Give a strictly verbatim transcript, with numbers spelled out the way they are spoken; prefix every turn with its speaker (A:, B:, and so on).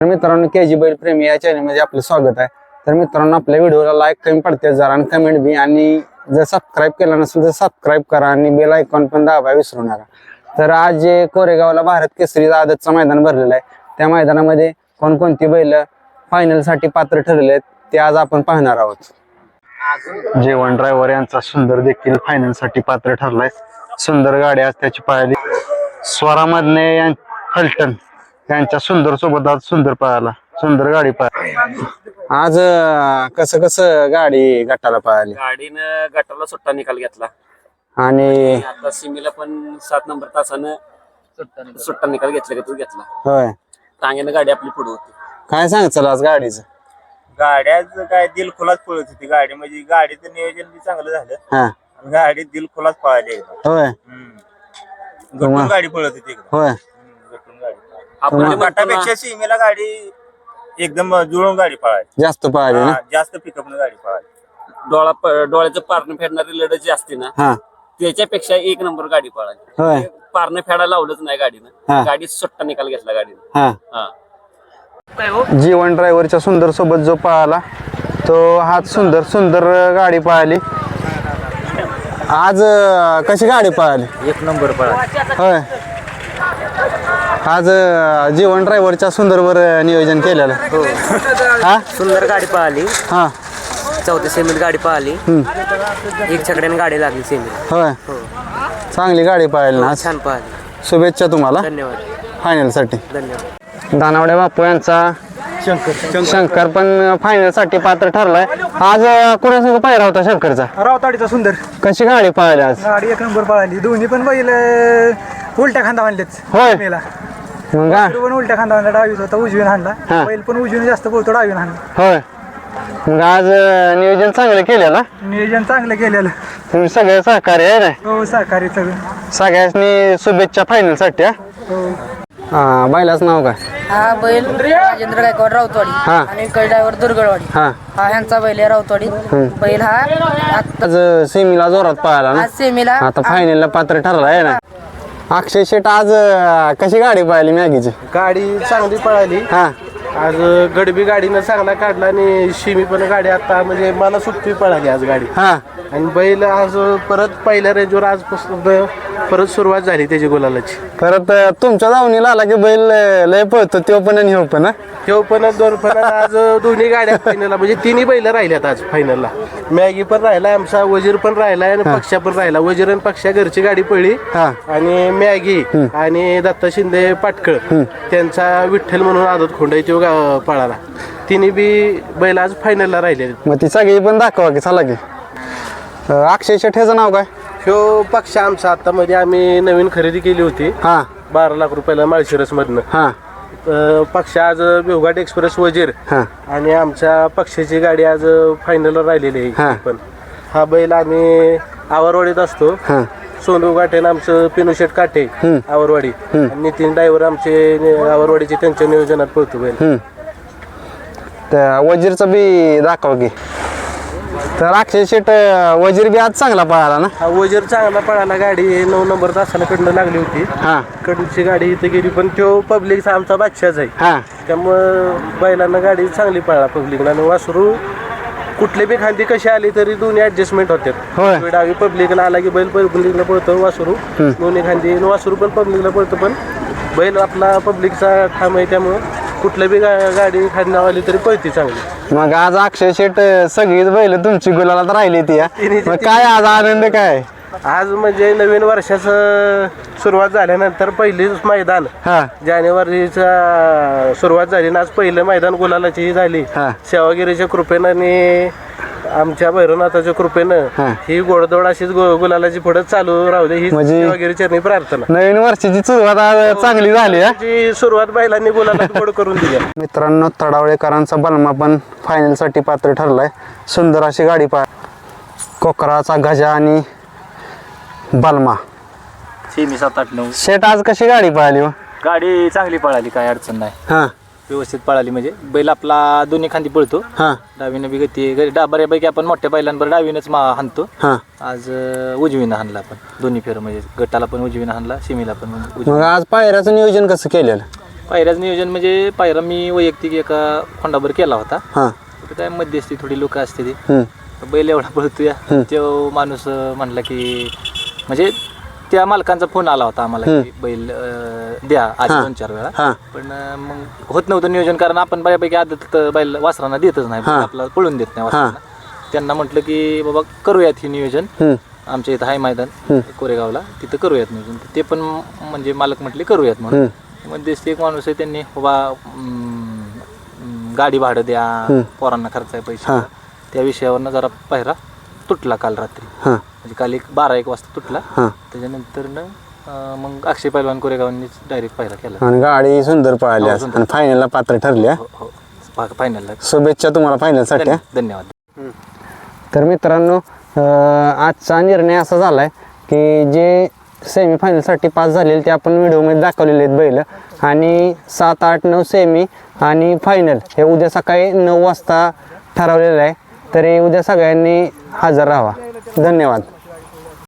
A: मित्रांनो के जी बैल प्रेमी या चॅनल मध्ये आपलं स्वागत आहे। तर मित्रांनो आपल्या व्हिडिओला लाईक कमी पडते जरा आणि कमेंट बी, आणि जर सबस्क्राईब केलं नसेल तर सबस्क्राईब करा आणि बेल आयकॉन पण दाबायला विसरू नका। तर आज जे कोरेगावला भारत केसरी आदतचं मैदान भरलेलं आहे, त्या मैदानामध्ये कोणकोणती बैल फायनल साठी पात्र ठरले आहेत ते आज आपण पाहणार आहोत। जेवण ड्रायव्हर यांचा सुंदर देखील फायनल साठी पात्र ठरलाय। सुंदर गाडी आज त्याची पाहिली। स्वरामधने फलटण यांच्या सुंदर सोबत आज सुंदर पळाला, सुंदर गाडी पळाली। आज कसं कसं गाडी गटाला पळाली?
B: गाडीनं गटाला सुट्टा निकाल घेतला
A: आणि
B: आता सिमीला पण सात नंबर तासानं सुट्टा निकाल घेतला का तू घेतला
A: होय,
B: टांग्यानं गाडी आपली पुढे होती।
A: काय सांगचाल आज गाडीचं?
C: गाड्याच काय दिल खुलाच पळत होती गाडी, म्हणजे गाडीचं नियोजन बी चांगलं झालं
A: हा
C: आणि गाडी दिल खुलाच पळाली एकदम।
A: होय
C: गटून गाडी पळत होती एकदम।
A: होय
C: गटून गाडी
B: आपण
C: आपण गटापेक्षा सीमेला गाडी एकदम जुळून गाडी पळाली,
A: जास्त पळाली ना?
C: जास्त पिकअप गाडी पळाली।
B: डोळा डोळ्याचं पारणं फेडणारी लढत जी असते ना,
A: हा
B: त्याच्यापेक्षा एक नंबर गाडी पळाली।
A: होय
B: पारणं फेडायला लावलंच नाही
A: हा.
B: गाडीनं, गाडी सुट्टा निकाल घेतला गाडीनं।
A: हा
B: हा
A: जीवन ड्रायव्हरच्या सुंदर सोबत जो पळाला तो हाच सुंदर सुंदर गाडी पळाली। आज अं, कशी गाडी पळाली?
C: एक नंबर पळाली।
A: होय, आज अं, जीवन ड्रायव्हरच्या सुंदरवर नियोजन केलेलं हा
D: सुंदर गाडी पळाली,
A: हा
D: चौथ्या सेमीत गाडी पळाली, एक छकड्याने गाडी लागली सेमीत।
A: होय, चांगली गाडी पळाली ना आज।
D: छान पळाली,
A: शुभेच्छा तुम्हाला
D: धन्यवाद
A: फायनल साठी।
D: धन्यवाद।
A: दानावडे बापू यांचा शंकर शंकर पण फायनल साठी पात्र ठरलाय। आज अं, कोणासंग पायरा होता शंकरचा?
E: रावताडीचा सुंदर
A: कशी गाडी पळाली आज?
E: गाडी एक नंबर पळाली, दोन्ही पण बैल अं, उलट्या खांदा आणलेच।
A: होय.
E: मेला
A: मग का?
E: पण उलट्या खांदा आणला, डावीत होता उजवीन
A: हा.
E: हाणला, बैल पण उजवीन जास्त बोलतो डावीन हाणला।
A: होय, मग आज अं, नियोजन चांगलं केलं ना
E: नियोजन चांगलं केलेलं,
A: तुम्ही सगळे सहकार्य आहे ना?
E: हो सहकारी सगळं।
A: सगळ्यांनी शुभेच्छा फायनल साठी। हा
E: हो
A: हा, बैलाच नाव काय?
F: हा बैल राजेंद्र गायकवाड राऊतवाडी
A: हा.
F: आणि ड्रायव्हर दुर्गडवाडी
A: हा
F: हा ह्यांचा बैल आहे राऊतवाडी। बैल हा आता
A: आज सेमीला जोरात पळाला ना,
F: आज सेमीला
A: आता फायनलला पात्र ठरला आहे ना। अक्षय शेट आज अं, कशी गाडी पळाली मॅगीची?
G: गाडी चांगली पळाली
A: हा
G: आज। गडबी गाडीनं चांगला काढला आणि शिमी पण गाडी आता म्हणजे मला सुट्टी पळाली आज गाडी।
A: हा
G: आणि बैल आज परत पहिल्या रेंजवर आजपासून परत सुरुवात झाली त्याची गुलालाची।
A: परत अं, तुमच्या दावणीला आला की बैल अं, लय पळतो तो पण आणि हो पण हा?
G: तेव्हा पण दोन पण आज दोन्ही गाड्या फायनलला, म्हणजे तिन्ही बैल राहिल्यात आज फायनलला। मॅगी पण राहिला आमचा, वजीर पण राहिला आणि पक्षा पण राहिला। वजीर आणि पक्षा घरची गाडी पळली
A: हा.
G: आणि मॅगी आणि दत्ता शिंदे पाटकळ त्यांचा विठ्ठल म्हणून आदत खोंड आहे तो गा- पळाला। तिन्ही बी बैल आज फायनलला राहिले।
A: मग ती सगळी पण दाखवा की चला की। अं, अक्षय शेट ह्याचं नाव काय?
G: ह्यो पक्ष आमचा आता मध्ये आम्ही नवीन खरेदी केली होती
A: हा
G: बारा लाख रुपयाला माळशिरस मधनं।
A: हा
G: पक्ष आज बेवघाट एक्सप्रेस वजीर
A: हा
G: आणि आमच्या पक्षाची गाडी आज फायनलला राहिलेली
A: हा.
G: आहे। पण हा बैल आम्ही आवरवाडीत असतो।
A: हा
G: सोनू काटे आणि आमचं पिनुशेट काटे आवरवाडी, आणि नितीन ड्रायव्हर आमचे नि- आवरवाडीचे त्यांच्या नियोजनात पळतो बैल।
A: हम्म त्या वजीरचं बी दाखवा की। तर अक्षय शेट अं, वजीर बी आज चांगला पळाला ना?
G: हा वजीर चांगला पळाला, गाडी नऊ नंबर तासाला कडनं लागली होती।
A: हा
G: कडची गाडी इथे गेली, पण तो पब्लिकचा आमचा बादशाच आहे।
A: हा
G: त्यामुळं बैलांना गाडी चांगली पळाला पब्लिकला, आणि वासरू कुठले बी खांदी कशी आली तरी दोन्ही ऍडजस्टमेंट होते।
A: होय.
G: डावी पब्लिकला आला की बैल पब्लिकला पळतो, वासरू दोन्ही खांदी वासरू पण पब्लिकला पळतो, पण बैल आपला पब्लिकचा ठाम आहे त्यामुळं कुठल्या बी गा- गाडी खांदी आली तरी पळते चांगली।
A: मग आज अक्षय शेट अं, सगळीच बैल तुमची गुलाला राहिली ती हा? मग काय आज आनंद काय?
G: आज म्हणजे नवीन वर्षाचं सुरुवात झाल्यानंतर पहिलीच मैदान
A: हा
G: जानेवारीचा सुरुवात झाली ना, आज पहिलं मैदान गुलालाची ही झाली।
A: हा.
G: सेवागिरीच्या कृपेनं आणि आमच्या भैरवनाथाच्या कृपेनं
A: हा.
G: ही गोडदोड अशीच गु- गुलालाची पुढे चालू राहू दे ही
A: म्हणजे-
G: सेवागिरी चरणी प्रार्थना।
A: नवीन वर्षाची सुरुवात आज चांगली झाली हा?
G: जी सुरुवात बैलांनी गुलाला गोड करून दिली।
A: मित्रांनो, तडावळेकरांचा बलमा पण फायनल साठी पात्र ठरलाय। सुंदर अशी गाडी पा कोकराचा गजा आणि बलमा।
C: सेमी सात आठ नऊ
A: शेट आज कशी गाडी पळाली हो?
C: गाडी चांगली पळाली, काय अडचण नाही,
A: हा
C: व्यवस्थित पळाली। म्हणजे बैल आपला दोन्ही खांदी पळतो,
A: हा
C: डावीनं बी गती घरी डा बऱ्यापैकी आपण मोठ्या बैलांवर डावीनच मा हाणतो।
A: हा
C: आज अं, उजवीनं हाणला आपण दोन्ही फेर, म्हणजे गटाला पण उजवीनं हाणला, सिमीला पण उजवीनं.
A: मग आज पायऱ्याचं नियोजन कसं केलेलं?
H: पायऱ्याचं नियोजन म्हणजे पायरा मी वैयक्तिक एका खोंडाभर केला होता.
A: हां
H: तर काय मध्यस्थी थोडी लोक असते ती
A: हम्म,
H: बैल एवढा पळतोय तो माणूस अं, म्हणला की म्हणजे त्या मालकांचा फोन आला होता आम्हाला की बैल अं, द्या आधी
A: हां.
H: दोन चार वेळा.
A: हां
H: पण अं, मग होत नव्हतं नियोजन कारण आपण बऱ्यापैकी आदत बैल वासरांना देतच नाही
A: हां.
H: आपला पळून देत नाही वासरांना. त्यांना म्हटलं की बाबा करूयात हे नियोजन
A: हम्म,
H: आमच्या इथं आहे मैदान कोरेगावला तिथं करूयात नियोजन. ते पण म्हणजे मालक म्हटले करूयात म्हणून. मध्यस्थी एक माणूस आहे त्यांनी बाबा अं, अं, गाडी भाडं द्या पोरांना खर्च आहे पैसे द्या. त्या विषयावरनं जरा पायरा तुटला काल रात्री.
A: हां
H: म्हणजे काल एक बारा एक वाजता तुटला.
A: हां
H: त्याच्यानंतर मग अक्षय पैलवान कोरेगावांनीच डायरेक्ट पायरा केला.
A: आणि गाडी सुंदर पळाली आज आणि फायनलला पात्र ठरली हा.
H: हो हो फायनलला
A: शुभेच्छा तुम्हाला फायनलसाठी हा.
H: धन्यवाद.
A: तर मित्रांनो अं, आजचा निर्णय असा झाला आहे की जे सेमीफायनलसाठी पास झालेले ते आपण व्हिडिओमध्ये दाखवलेले आहेत बैल आणि सात आठ नऊ सेमी आणि फायनल हे उद्या सकाळी नऊ वाजता ठरवलेलं आहे. तरी उद्या सगळ्यांनी हजर राहावा. धन्यवाद.